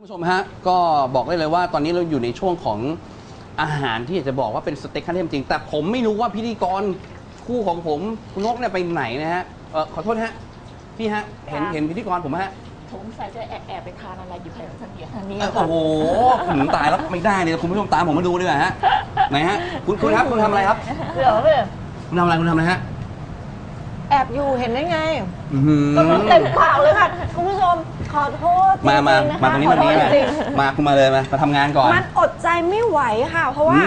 คุณผู้ชมฮะก็บอกได้เลยว่าตอนนี้เราอยู่ในช่วงของอาหารที่จะบอกว่าเป็นสเต็กขั้นเทพจริงแต่ผมไม่รู้ว่าพิธีกรคู่ของผมคุณนกเนี่ยไปไหนนะฮะขอโทษฮะพี่ฮะเห็นพิธีกรผมฮะผมใส่จะแอบไปทานอะไรอยู่แถวทางนี้โอ้โหผมตายแล้วไม่ได้เลยคุณผู้ชมตามผมมาดูดีกว่าฮะไหนฮะคุณครับคุณทำอะไรครับเดี๋ยวเลยคุณทำอะไรฮะแอบอยู่เห็นได้ไงก็มันเต็มปากเลยค่ะคุณผู้ชมขอโทษมาตรงนี้มาคุณมาเลยมาทำงานก่อนมันอดใจไม่ไหวค่ะเพราะว่า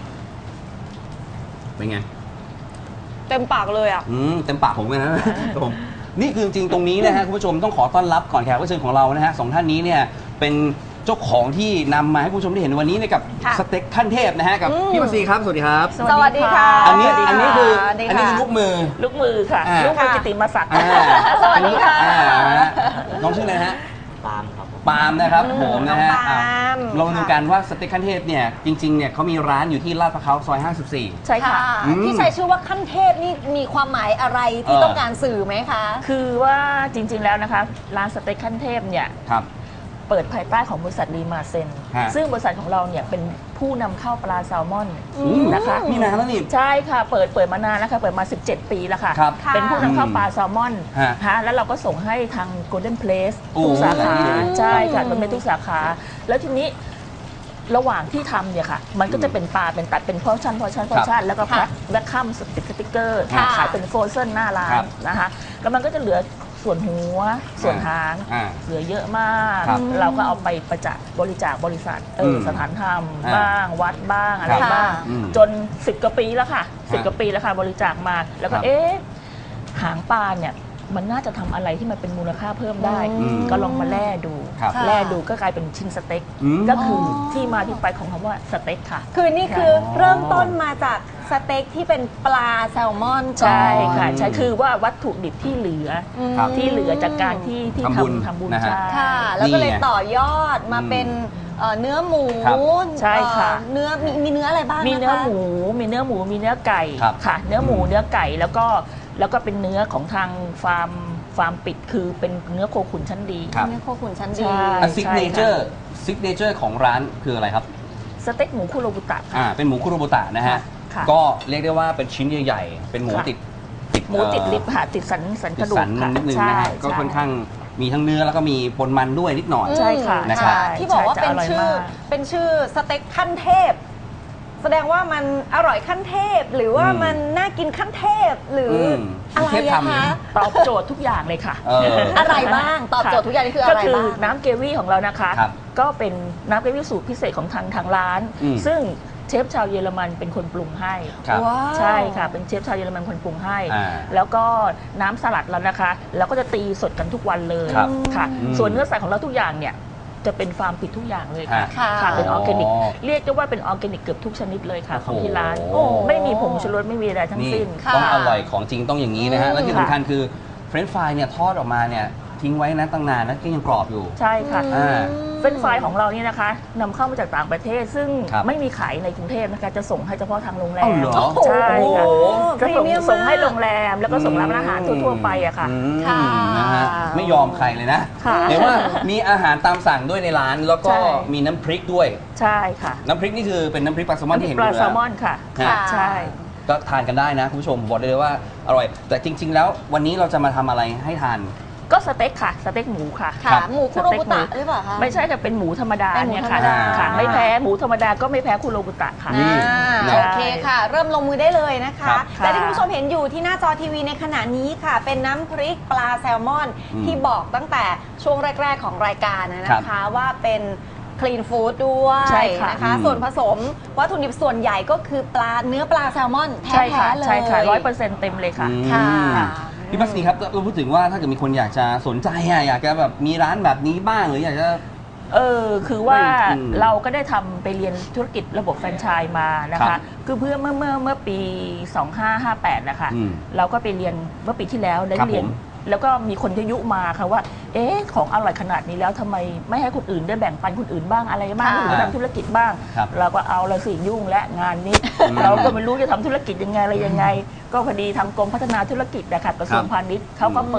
เป็นไงเต็มปากเลยอ่ะเต็มปากผมเลยนะผมนี่คือจริงตรงนี้นะฮะคุณผู้ชมต้องขอต้อนรับก่อนแขกรับเชิญของเรานะฮะสองท่านนี้เนี่ยเป็นเจ้าของที่นำมาให้คุณผู้ชมได้เห็นวันนี้ในกับสเต็กขั้นเทพนะฮะกับพี่มาซีครับสวัสดีครับสวัสดีค่ะอันนี้คือลูกมือค่ะลูกมือกิติมศักดิ์สวัสดีค่ะน้องชื่ออะไรฮะปาล์มครับปาล์มนะครับผมนะฮะเราดูกันว่าสเต็กขั้นเทพเนี่ยจริงๆเนี่ยเขามีร้านอยู่ที่ลาดพร้าวซอย54 ใช่ค่ะที่ใช้ชื่อว่าขั้นเทพนี่มีความหมายอะไรที่ต้องการสื่อไหมคะคือว่าจริงๆแล้วนะคะร้านสเต็กขั้นเทพเนี่ยเปิดภายใต้ของบริษัทรีมาเซนซึ่งบริษัทของเราเนี่ยเป็นผู้นำเข้าปลาแซลมอนนะคะมีนานแล้วนี่ใช่ค่ะเปิดมานานแล้วค่ะเปิดมา17 ปีแล้วค่ะเป็นผู้นำเข้าปลาแซลมอนแล้วเราก็ส่งให้ทาง Golden Place ทุกสาขาใช่ค่ะมันเป็นทุกสาขาแล้วทีนี้ระหว่างที่ทำเนี่ยค่ะมันก็จะเป็นปลาเป็นตัดเป็นพอชั่นแล้วก็แพ็คแบ็คคัมสติ๊กเกอร์ขายเป็นโฟรเซนหน้าร้านนะคะแล้วมันก็จะเหลือส่วนหัวส่วนหางเหลือเยอะมากเราก็เอาไปบริจาคบริษัทสถานธรรมบ้างวัดบ้างอะไรบ้างจน10 กว่าปีแล้วค่ะ10 กว่าปีแล้วค่ะบริจาคมาแล้วก็หางปลาเนี่ยมันน่าจะทำอะไรที่มันเป็นมูลค่าเพิ่มได้ก็ลองมาแล่ดูก็กลายเป็นชิ้นสเต็กก็คือที่มาที่ไปของคำว่าสเต็กค่ะคือนี่คือเริ่มต้นมาจากสเต็กที่เป็นปลาแซลมอนใช่ค่ะใช่คือว่าวัตถุดิบที่เหลือจากการที่ทำบุญค่ะแล้วก็เลยต่อยอดมาเป็นเนื้อหมูใช่ค่ะเนื้อมีเนื้ออะไรบ้างมีเนื้อหมูมีเนื้อไก่ค่ะเนื้อหมูเนื้อไก่แล้วก็เป็นเนื้อของทางฟาร์มปิดคือเป็นเนื้อโคขุนชั้นดีเนื้อโคขุนชั้นดีซิกเนเจอร์ของร้านคืออะไรครับสเต็กหมูคุโรบุตะเป็นหมูคุโรบุตะนะฮะก็เรียกได้ว่าเป็นชิ้นใหญ่ๆเป็นหมูติดลิบค่ะติดสันกระดูกนิดนึงนะฮะก็ค่อนข้างมีทั้งเนื้อแล้วก็มีปนมันด้วยนิดหน่อยใช่ค่ะนะครับที่บอกว่าเป็นชื่อสเต็กขั้นเทพแสดงว่ามันอร่อยขั้นเทพหรือว่ามันน่ากินขั้นเทพหรืออะไรคะตอบโจทย์ทุกอย่างเลยค่ะอะไรบ้างตอบโจทย์ทุกอย่างนี่คืออะไรบ้างก็คือน้ำเกวี่ของเรานะคะก็เป็นน้ำเกวี่สูตรพิเศษของทางร้านซึ่งเชฟชาวเยอรมันเป็นคนปรุงให้ใช่ค่ะเป็นเชฟชาวเยอรมันคนปรุงให้แล้วก็น้ำสลัดเรานะคะเราก็จะตีสดกันทุกวันเลยค่ะส่วนเนื้อสัตว์ของเราทุกอย่างเนี่ยจะเป็นฟาร์มปิดทุกอย่างเลยค่ะเป็นออร์แกนิกเรียกได้ว่าเป็นออร์แกนิกเกือบทุกชนิดเลยค่ะของที่ร้านไม่มีผงชูรสไม่มีอะไรทั้งสิ้นต้องอร่อยของจริงต้องอย่างนี้นะฮะและที่สำคัญคือเฟรนช์ฟรายเนี่ยทอดออกมาเนี่ยทิ้งไว้นะตั้งนานนะก็ยังกรอบอยู่ใช่ค่ะเฟรนช์ฟรายของเรานี่นะคะนำเข้ามาจากต่างประเทศซึ่งไม่มีขายในกรุงเทพนะคะจะส่งให้เฉพาะทางโรงแรมใช่ค่ะจะส่งให้โรงแรมแล้วก็ส่งร้านอาหารทั่วๆไปอะค่ะนะฮะไม่ยอมใครเลยนะเห็นว่ามีอาหารตามสั่งด้วยในร้านแล้วก็มีน้ำพริกด้วยใช่ค่ะน้ำพริกนี่คือเป็นน้ำพริกปลาแซลมอนที่เห็นอยู่แล้วปลาแซลมอนค่ะใช่ก็ทานกันได้นะคุณผู้ชมบอกได้เลยว่าอร่อยแต่จริงๆแล้ววันนี้เราจะมาทำอะไรให้ทานก็สเต็กค่ะสเต็กหมูค่ะหมูคุโรบุตะหรือเปล่าคะไม่ใช่ค่ะเป็นหมูธรรมดาเนี่ยค่ะไม่แพ้หมูธรรมดาก็ไม่แพ้คุโรบุตะค่ะโอเคค่ะเริ่มลงมือได้เลยนะคะและที่คุณผู้ชมเห็นอยู่ที่หน้าจอทีวีในขณะนี้ค่ะเป็นน้ำพริกปลาแซลมอนที่บอกตั้งแต่ช่วงแรกๆของรายการนะคะว่าเป็นคลีนฟู้ดด้วยนะคะส่วนผสมวัตถุดิบส่วนใหญ่ก็คือเนื้อปลาแซลมอนแท้ๆเลยใช่ค่ะ100%เต็มเลยค่ะพี่มัสนีครับเราพูดถึงว่าถ้าเกิดมีคนอยากจะสนใจอยากจะแบบมีร้านแบบนี้บ้างหรืออยากจะคือว่าเราก็ได้ทำไปเรียนธุรกิจระบบแฟรนไชส์มานะคะคือเมื่อปี2558นะคะเราก็ไปเรียนเมื่อปีที่แล้วได้เรียนแล้วก็มีคนยุมาค่ะว่าของอร่อยขนาดนี้แล้วทำไมไม่ให้คนอื่นได้แบ่งปันคนอื่นบ้างอะไรบ้างหรือทำธุรกิจบ้างเราก็เอาละสิยุ่งและงานนี้เราก็ไม่รู้จะทำธุรกิจยังไงอะไรยังไงก็พอดีทางกรมพัฒนาธุรกิจนะคะกระทรวงพาณิชย์เขาก็เปิด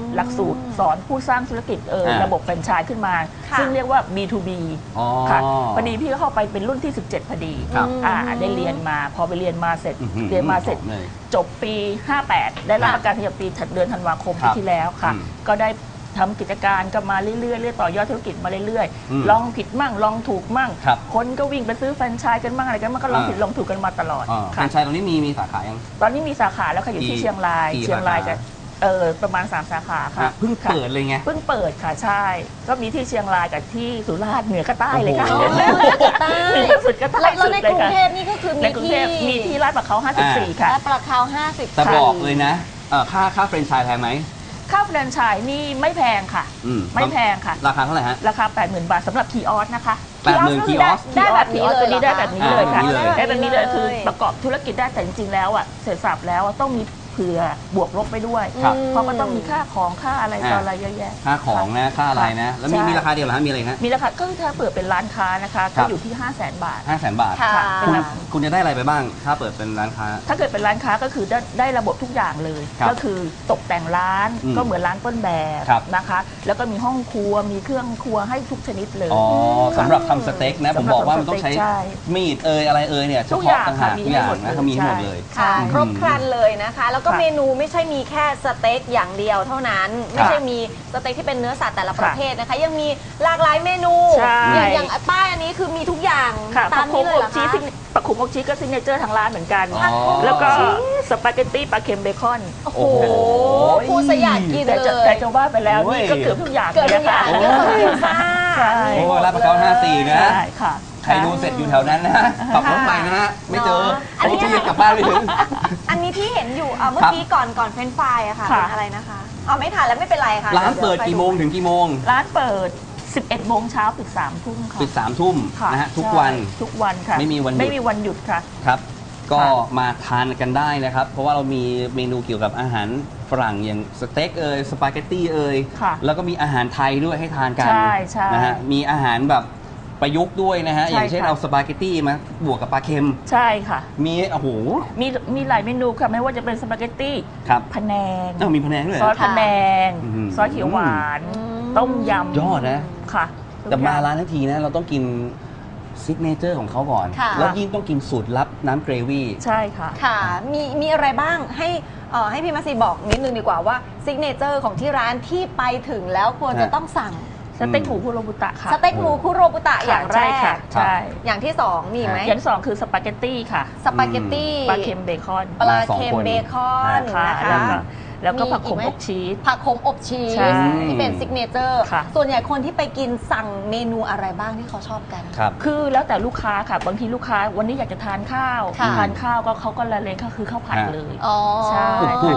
หลักสูตรสอนผู้สร้างธุรกิจระบบแฟรนไชส์ขึ้นมา ซึ่งเรียกว่า B2B ค่ะพอดีพี่ก็เข้าไปเป็นรุ่นที่ 17พอดีได้เรียนมาพอไปเรียนมาเสร็จจบปี 58 ได้รับประกาศนียบัตรปีเดือนธันวาคมปีที่แล้วค่ะก็ได้ทำกิจการก็มาเรื่อยๆต่อยอดธุรกิจมาเรื่อยๆลองผิดมั่งลองถูกมั่งคนก็วิ่งไปซื้อแฟรนไชส์กันมั่งอะไรกันมันก็ลองผิดลองถูกกันมาตลอดแฟรนไชส์ตรงนี้มีสาขายังตอนนี้มีสาขาแล้วค่ะอยู่ที่เชียงรายกันประมาณ3สาขาค่ะเพิ่งเปิดเลยไงเพิ่งเปิดค่ะใช่ก็มีที่เชียงรายกับที่สุราษฎร์เหนือกับใต้เลยค่ะเหนือสุดกับใต้สุดเลยค่ะในกรุงเทพนี่ก็คือมีที่ลาดประเขา54ค่ะลาดประเขา50 แต่บอกเลยนะค่าแฟรนไชส์แพงไหมค่าแฟรนไชส์นี่ไม่แพงค่ะไม่แพงค่ะราคาเท่าไหร่ฮะราคา 80,000 บาทสำหรับคีออสนะคะ 80,000คีออสได้แบบนี้เลยได้แบบนี้เลยค่ะได้แบบนี้เลยคือประกอบธุรกิจได้แต่จริงๆแล้วเสร็จสับแล้วต้องมีเผื่อบวกลบไปด้วยเพราะมันต้องมีค่าของค่าอะไรต่ออะไรเยอะแยะค่าของนะค่าอะไรนะแล้วมีราคาเดียวเหรอฮะมีอะไรฮะมีราคาก็ถ้าเปิดเป็นร้านค้านะคะก็อยู่ที่ 500,000 บาท 500,000 บาทคุณจะได้อะไรไปบ้างถ้าเปิดเป็นร้านค้าถ้าเกิดเป็นร้านค้าก็คือได้ระบบทุกอย่างเลยก็คือตกแต่งร้านก็เหมือนร้านต้นแบบนะคะแล้วก็มีห้องครัวมีเครื่องครัวให้ทุกชนิดเลยสำหรับทำสเต็กนะผมบอกว่ามันต้องใช้มีดอะไรเนี่ยเฉพาะต่างหากทุกอย่างนะเขามีหมดเลยครบครันเลยนะคะแล้วก็เมนูไม่ใช่มีแค่สเต็กอย่างเดียวเท่านั้นไม่ใช่มีสเต็กที่เป็นเนื้อสัตว์แต่ละประเภทนะคะยังมีหลากหลายเมนูอย่างป้ายอันนี้คือมีทุกอย่างตามนี้เลยเหรอคะปลาขุมอกชีสก็ซิกเนเจอร์ทางร้านเหมือนกันแล้วก็สปาเกตตี้ปลาเค็มเบคอนโอ้โหพูดซะอยากกินเลยแต่จะว่าไปแล้วนี่ก็เกือบทุกอย่างเลยค่ะเรื่องของพิซซ่าโอ้ลาดประเขา54นะใครดูเสร็จอยู่แถวนั้นนะขับรถไปนะฮะไม่เจอเขาจะยังกลับบ้านไม่ถึงอันนี้ที่เห็นอยู่เมื่อกี้ก่อนเฟรนช์ฟรายอะค่ะเป็นอะไรนะคะไม่ถ่ายแล้วไม่เป็นไรค่ะร้านเปิดกี่โมงถึงกี่โมงร้านเปิด11 โมงเช้าปิด3 ทุ่มค่ะปิด3 ทุ่มนะฮะทุกวันค่ะไม่มีวันหยุดค่ะครับก็มาทานกันได้นะครับเพราะว่าเรามีเมนูเกี่ยวกับอาหารฝรั่งอย่างสเต็กสปาเกตตี้แล้วก็มีอาหารไทยด้วยให้ทานกันนะฮะมีอาหารแบบประยุกต์ด้วยนะฮะอย่างเช่นเอาสปาเกตตี้มาบวกกับปลาเค็มใช่ค่ะมีโอ้โหมีหลายเมนูค่ะไม่ว่าจะเป็นสปาเกตตี้พะแนงมีพะแนงด้วยซอสพะแนงซอสเขียวหวานต้มยำยอดนะค่ะแต่มาร้านทั้งทีนะเราต้องกินซิกเนเจอร์ของเขาก่อนแล้วยิ่งต้องกินสูตรลับน้ำเกรวี่ใช่ค่ะค่ะมีอะไรบ้างให้พี่มาซีบอกนิดนึงดีกว่าว่าซิกเนเจอร์ของที่ร้านที่ไปถึงแล้วควรจะต้องสั่งสเต็กหมูคุโรบุตะค่ะสเต็กหมูคุโรบุตะอย่างแรกใช่อย่างที่2มีไหมอย่างที่2คือสปาเกตตี้ค่ะสปาเกตตี้ปลาเค็มเบคอนปลาเค็มเบคอนนะคะแล้วก็ผักขมอบชีสผักขมอบชีสที่เป็นซิกเนเจอร์ส่วนใหญ่คนที่ไปกินสั่งเมนูอะไรบ้างที่เขาชอบกันคือแล้วแต่ลูกค้าค่ะบางทีลูกค้าวันนี้อยากจะทานข้าวก็เขาก็ละเลงก็คือข้าวผัดเลยใช่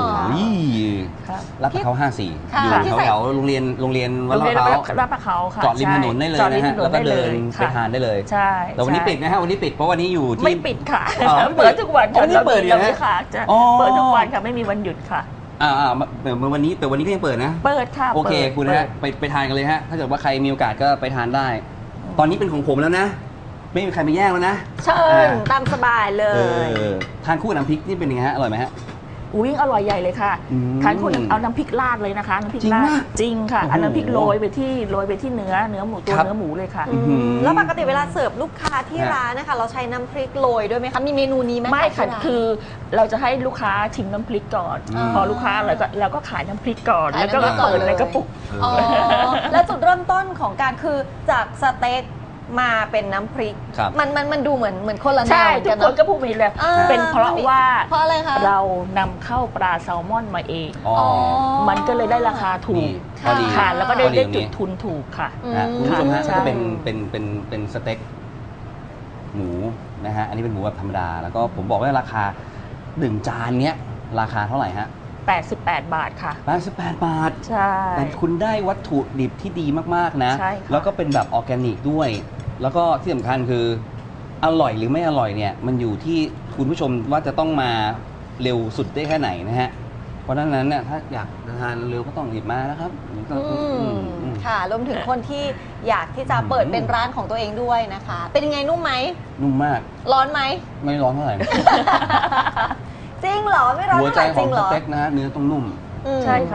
รับเขา54อยู่แถวโรงเรียนวัดลาดประเขาค่ะจอดริมถนนได้เลยนะฮะแล้วก็เดินไปทานได้เลยใช่แต่วันนี้ปิดนะฮะวันนี้ปิดเพราะวันนี้อยู่ที่ไม่ปิดค่ะเปิดทุกวันวันนี้เปิดอยู่นะเปิดทุกวันค่ะไม่มีวันหยุดค่ะวันนี้ก็ยังเปิดนะเปิดค่ะโอเคคุณนะฮะไปทานกันเลยฮะถ้าเกิดว่าใครมีโอกาสก็ไปทานได้ตอนนี้เป็นของผมแล้วนะไม่มีใครมาแย่งแล้วนะเชิญตามสบายเลยทานคู่กับน้ำพริกนี่เป็นยังไงฮะอร่อยไหมฮะอร่อยใหญ่เลยค่ะทานคนเอาน้ำพริกราดเลยนะคะน้ำพริกราดจริงค่ะเอาน้ำพริกโรยไปที่เนื้อหมูตัวเนื้อหมูเลยค่ะแล้วปกติเวลาเสิร์ฟลูกค้าที่ร้านนะคะเราใช้น้ำพริกโรยด้วยไหมคะมีเมนูนี้ไหมไม่ค่ะคือเราจะให้ลูกค้าชิมน้ำพริกก่อนพอลูกค้าเราก็ขายน้ำพริกก่อนแล้วก็เปิดในกระปุกแล้วจุดเริ่มต้นของการคือจากสเต็กมาเป็นน้ำพริกมันดูเหมือนคนละแนวใช่ทุกคนก็พูดไปเลยเป็นเพราะว่าอะไรคะเรานำเข้าปลาแซลมอนมาเองมันก็เลยได้ราคาถูกค่ะแล้วก็ได้จุดทุนถูกค่ะคุณผู้ชมฮะก็เป็นสเต็กหมูนะฮะอันนี้เป็นหมูแบบธรรมดาแล้วก็ผมบอกว่าราคา1 จานเนี้ยราคาเท่าไหร่ฮะ 88 บาทค่ะ 88 บาทใช่แต่คุณได้วัตถุดิบที่ดีมากๆนะแล้วก็เป็นแบบออร์แกนิกด้วยแล้วก็ที่สำคัญคืออร่อยหรือไม่อร่อยเนี่ยมันอยู่ที่คุณผู้ชมว่าจะต้องมาเร็วสุดได้แค่ไหนนะฮะเพราะฉะนั้นเนี่ยถ้าอยากทานเร็วก็ต้องรีบมานะครับค่ะรวมถึงคนที่อยากที่จะเปิดเป็นร้านของตัวเองด้วยนะคะเป็นยังไงนุ่มไหมนุ่มมากร้อนไหมไม่ร้อนเท่าไหร่จริงเหรอไม่ร้อนเท่าไหร่จริงเหรอหัวใจของสเต็กนะฮะเนื้อต้องนุ่มใช่ค่ะ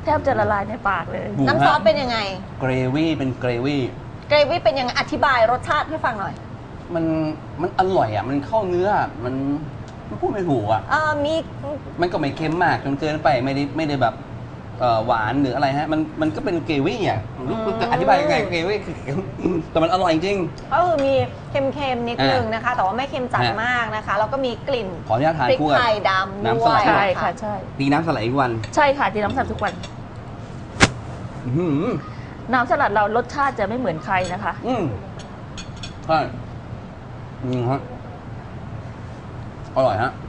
แทบจะละลายในปากเลยน้ำซอสเป็นยังไงเกรวี่เป็นเกรวี่เกรวี่เป็นยังไงอธิบายรสชาติให้ฟังหน่อยมันอร่อยอ่ะมันเข้าเนื้อมันพูดไม่ถูกอ่ะมีมันก็ไม่เค็มมากจนเกินไปไม่ได้แบบหวานหรืออะไรฮะมันก็เป็นเกรวี่อ่ะจะอธิบายยังไงเกรวี่แต่มันอร่อยจริงก็คือมีเค็มๆนิดนึงนะคะ แต่ว่าไม่เค็มจัดมากนะคะแล้วก็มีกลิ่นขออนุญาตทานพริกคู่กับไทยดำน้ำด้สวลัยดใช่ค่ะใช่ตีน้ำสลัดอีกวันใช่ค่ะที่น้ำสลัดทุกวันอื้อหือน้ำสลัดเรารสชาติจะไม่เหมือนใครนะคะใช่ฮะอร่อยฮะ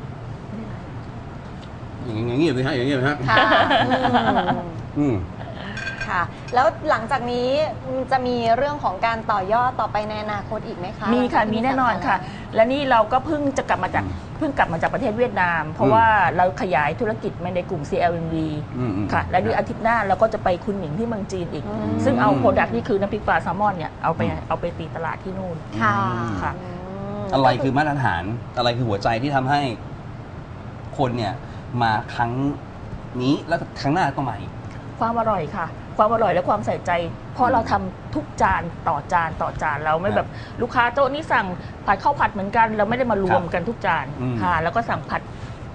อย่างนี้เลยฮะอย่างนี้เลยฮะค่ะอืมค่ะ แล้วหลังจากนี้จะมีเรื่องของการต่อยอดต่อไปในอนาคตอีกไหมคะมีค่ะ มีแน่นอนค่ะ และนี่เราก็เพิ่งกลับมาจากประเทศเวียดนาม เพราะว่าเราขยายธุรกิจมาในกลุ่ม CLMV ค่ะ และนี่อาทิตย์หน้าเราก็จะไปคุณหมิงที่เมืองจีนอีก ซึ่งเอาโปรดักต์นี่คือน้ำพริกปลาแซลมอนเนี่ยเอาไปตีตลาดที่นู่นค่ะค่ะอะไรคือมาตรฐานอะไรคือหัวใจที่ทำให้คนเนี่ยมาครั้งนี้แล้วครั้งหน้าต้องมาอีกความอร่อยค่ะ ความอร่อยและความใส่ใจ เพราะเราทำทุกจานต่อจานต่อจานเราไม่แบบลูกค้าโต๊ะนี้สั่งผัดข้าวผัดเหมือนกัน เราไม่ได้มารวมกันทุกจานค่ะแล้วก็สั่งผัด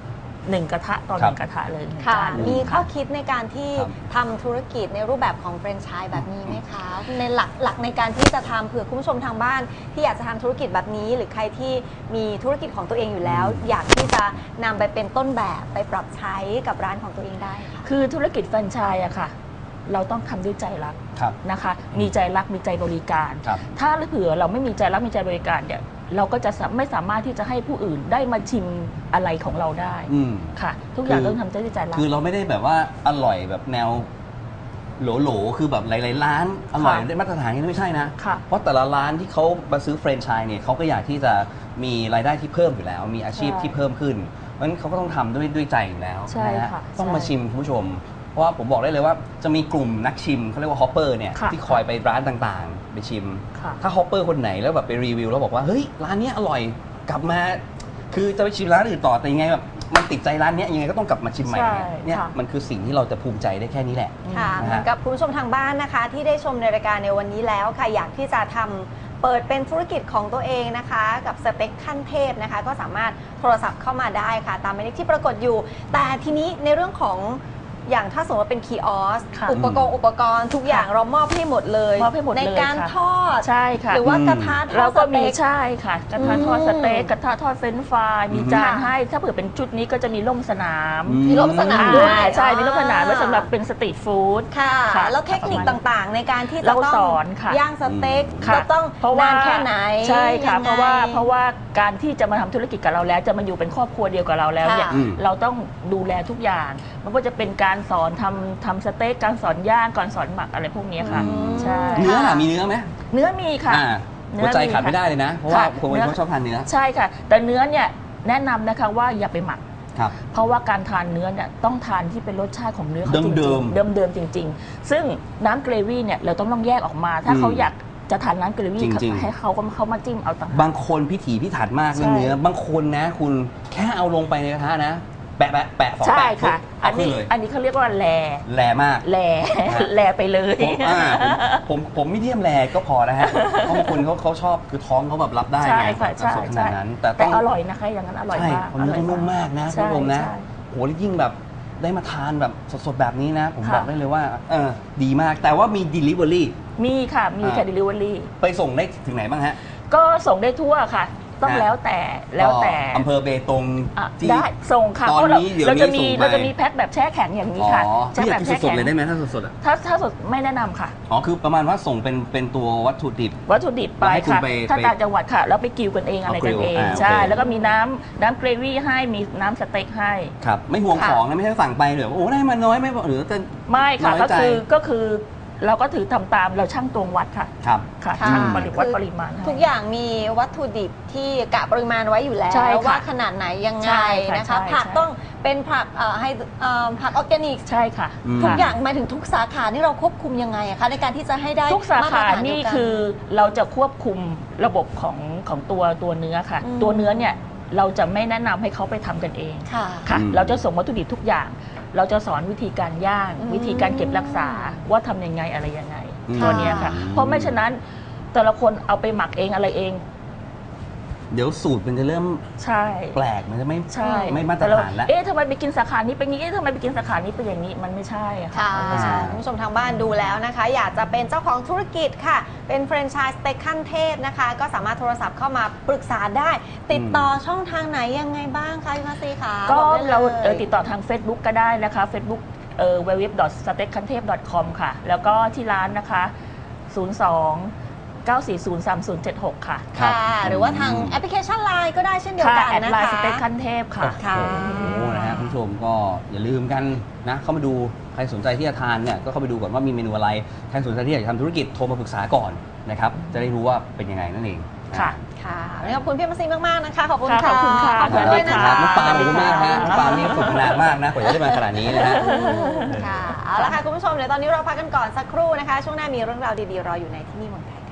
1 กระทะต่อ1 กระทะเลยค่ะจานมีข้อคิดในการที่ทำธุรกิจในรูปแบบของแฟรนไชส์แบบนี้ไหมคะ ในหลักในการที่จะทำเผื่อคุณผู้ชมทางบ้าน ที่อยากจะทำธุรกิจแบบนี้ หรือใครที่มีธุรกิจของตัวเองอยู่แล้ว อยากที่จะนำไปเป็นต้นแบบไปปรับใช้กับร้านของตัวเองได้ค่ะคือธุรกิจแฟรนไชส์อะค่ะ เราต้องทำด้วยใจรักครับนะคะ มีใจรักมีใจบริการครับถ้าเผื่อเราไม่มีใจรักมีใจบริการเนี่ยเราก็จะไม่สามารถที่จะให้ผู้อื่นได้มาชิมอะไรของเราได้ค่ะ ทุกอย่างต้องทำด้วยใจรักคือเราไม่ได้แบบว่าอร่อยแบบแนวโหลๆคือแบบหลายๆร้านอร่อยได้มาตรฐานนี่ไม่ใช่นะค่ะเพราะแต่ละร้านที่เขามาซื้อแฟรนไชส์เนี่ยเขาก็อยากที่จะมีรายได้ที่เพิ่มอยู่แล้ว มีอาชีพที่เพิ่มขึ้นเพราะฉะนั้นเขาก็ต้องทำด้วยใจอยู่แล้วใช่นะฮะค่ะต้องมาใช่ชิมคุณผู้ชม เพราะว่าผมบอกได้เลยว่าจะมีกลุ่มนักชิมเขาเรียกว่าฮอปเปอร์เนี่ยค่ะที่คอยไปร้านต่างๆ ไปชิมค่ะถ้าฮอปเปอร์คนไหนแล้วแบบไปรีวิวแล้วบอกว่าเฮ้ยร้านเนี้ยอร่อยกลับมา คือจะไปชิมร้านอื่นต่อแต่ยังไงแบบมันติดใจร้านเนี้ยยังไงก็ต้องกลับมาชิมใหม่ใช่เนี่ยค่ะมันคือสิ่งที่เราจะภูมิใจได้แค่นี้แหละค่ะนะฮะเหมือนกับคุณผู้ชมทางบ้านนะคะ ที่ได้ชมในรายการในวันนี้แล้วค่ะอยากที่จะทำเปิดเป็นธุรกิจของตัวเองนะคะ กับสเต็กขั้นเทพนะคะ ก็สามารถโทรศัพท์เข้ามาได้ค่ะ ตามหมายเลขที่ปรากฏอยู่ แต่ทีนี้ในเรื่องของอย่างถ้าสมมติว่าเป็นคีออสค่ะอุปกรณ์ทุกอย่างเรามอบให้หมดเลยมอบให้หมดเลยในการค่ะทอดใช่ค่ะหรือว่ากระทะทอเราดสก็มีเต็กใช่ค่ะกระทะทอดสเต็กกระทะทอดเฟรนช์ฟรายมีจานค่ะให้ถ้าเผื่อเป็นชุดนี้ก็จะมีร่มสนามมีร่มสนามด้วยใช่มีร่มสนามไว้สำหรับเป็นสตรีทฟู้ดค่ะค่ะแล้วเทคนิคต่างๆ ในการที่จะเราต้องสอนค่ะย่างสเต็กค่ะจะต้องเพราะว่านานแค่ไหนใช่ค่ะยังไงเพราะว่าการที่จะมาทำธุรกิจกับเราแล้วจะมาอยู่เป็นครอบครัวเดียวกับเราแล้วเนี่ยค่ะเราต้องดูแลทุกอย่างไมันก็จะเป็นการสอนทำสเต็กการสอนย่างการสอนหมักอะไรพวกนี้ค่ะ ใช่เนื้อล่ะมีเนื้อไหมเนื้อมีค่ะหัวใจขาดไม่ได้เลยนะ เพราะว่าค่ะคนบางคนชอบทานเนื้อใช่ค่ะ แต่เนื้อเนี่ยแนะนำนะคะว่าอย่าไปหมักครับเพราะว่าการทานเนื้อเนี่ยต้องทานที่เป็นรสชาติของเนื้อเขาจริงเดิมๆเดิมๆจริง ๆ ซึ่งน้ำเกรวี่เนี่ยเราต้องแยกออกมา ถ้าเขาอยากจะทานน้ำเกรวี่จริงๆให้เขามาจิ้มเอาต่างหากบางคนพิถีพิถันมากเรื่องใช่เนื้อบางคนนะ คุณแค่เอาลงไปในกระทะนะ แปะสองใช่แปะปุ๊บค่ะเอาขึ้นเลยอันนี้เขาเรียกว่าแลแรงมากแลฮะแลไปเลยผมไม่เดียมแรก็พอนะฮะเพราะบางคนเขาชอบคือท้องเขาแบบรับได้ใช่ไงค่ะกับใช่สูตรขใช่นาดนั้น แต่แต่ต้องอร่อยนะคะอย่างนั้นอร่อยใช่มากเนื้อต้องนุ่มมากนะคุณใช่ผู้ชมนะใช่โหแล้วยิ่งแบบได้มาทานแบบสดๆแบบนี้นะ ผมค่ะบอกได้เลยว่าดีมากแต่ว่ามี Delivery มีค่ะมีค่ะ delivery ไปส่งได้ถึงไหนบ้างฮะก็ส่งได้ทั่วค่ะ ต้องแล้วแต่อำเภอเบตงอ่ะที่ได้ส่งค่ะตอนเพราะเรานี้เดี๋ยวเราจะมีนี้ส่งไปเราจะมีแพ็คแบบแช่แข็งอย่างนี้ค่ะที่แช่อยาแบกบกินแช่สดแข็ๆงเลยได้ไหมถ้าสดๆอ่ะถ้าสดไม่แนะนำค่ะอ๋อคือประมาณว่าส่งเป็นตัววัตถุดิบวัตถุดิบไปแล้วให้คุณค่ะไปถ้าไปต่างจังหวัดค่ะ แล้วไปกิวกันเองอะไรกันเองเอากริลใช่โอเคแล้วก็มีน้ำเกรวี่ให้มีน้ำสเต็กให้ครับไม่ห่วงค่ะของนะไม่ใช่สั่งไปเดี๋ยวโอ้ได้มาน้อยไม่บอกหรือจะไม่ค่ะน้อยก็ใจคือเราก็ถือทำตามเราช่างตวงวัดค่ะครับค่ะค่ะช่างวัดคือปริมาณให้ทุกอย่างมีวัตถุดิบที่กะปริมาณไว้อยู่แล้วใช่ค่ะว่าขนาดไหนยังไงใช่ค่ะนะคะใช่ผักใช่ต้องเป็นผักให้ผักออร์แกนิกใช่ค่ะทุกค่ะอย่างหมายถึงทุกสาขานี่เราควบคุมยังไงอะคะในการที่จะให้ได้ทุกสามาตรขาฐานเดีนี่ยวกัคือเราจะควบคุมระบบของตัวเนื้อค่ะอืมตัวเนื้อเนี่ยเราจะไม่แนะนำให้เขาไปทำกันเองค่ะค่ะอืมเราจะส่งวัตถุดิบทุกอย่างเราจะสอนวิธีการย่างวิธีการเก็บรักษาว่าทำยังไงอะไรยังไงตัวเนี้ยค่ะเพราะไม่ฉะนั้นแต่ละคนเอาไปหมักเองอะไรเองเดี๋ยวสูตรมันจะเริ่มใช่แปลกมันจะไม่มาตรฐานแล้วทำไมไปกินสาขานี้เป็นอย่างนี้ทำไมไปกินสาขานี้เป็นอย่างนี้มันไม่ใช่ค่ะไม่ใช่คุณผู้ชมทางบ้านดูแล้วนะคะ อยากจะเป็นเจ้าของธุรกิจค่ะเป็นแฟรนไชส์สเต็กขั้นเทพนะคะก็สามารถโทรศัพท์เข้ามาปรึกษาได้ติดต่อช่องทางไหนยังไงบ้างคะพี่มาซีคะก็เราติดต่อทาง Facebook ก็ได้นะคะ Facebook www.steakkhantep.com ค่ะแล้วก็ที่ร้านนะคะ02-940-3076 ค่ะหรือว่าทางแอปพลิเคชัน LINE ก็ได้เช่นเดียวกันนะคะแอดไลน์สเต็กขั้นเทพค่ะโอ้โหนะฮะคุณผู้ชมก็อย่าลืมกันนะเข้ามาดูใครสนใจที่จะทานเนี่ยก็เข้าไปดูก่อนว่ามีเมนูอะไรใครสนใจที่อยากจะทำธุรกิจโทรมาปรึกษาก่อนนะครับจะได้รู้ว่าเป็นยังไงนั่นเองค่ะขอบคุณพี่มาซีมากๆนะคะขอบคุณค่ะขอบคุณค่ะขอบคุณด้วยนะคะน้องปาล์มขอบคุณมากฮะน้องปาล์มนี่ฝึกนานมากนะกว่าจะได้มาขนาดนี้นะฮะค่ะเอาละค่ะคุณผู้ชมเดี๋ยวตอนนี้เราพักกันก่อนสักครู่นะคะช่วงหน้ามีเรื่องราวดีๆรออยู่ในที่นี่เมืองไทย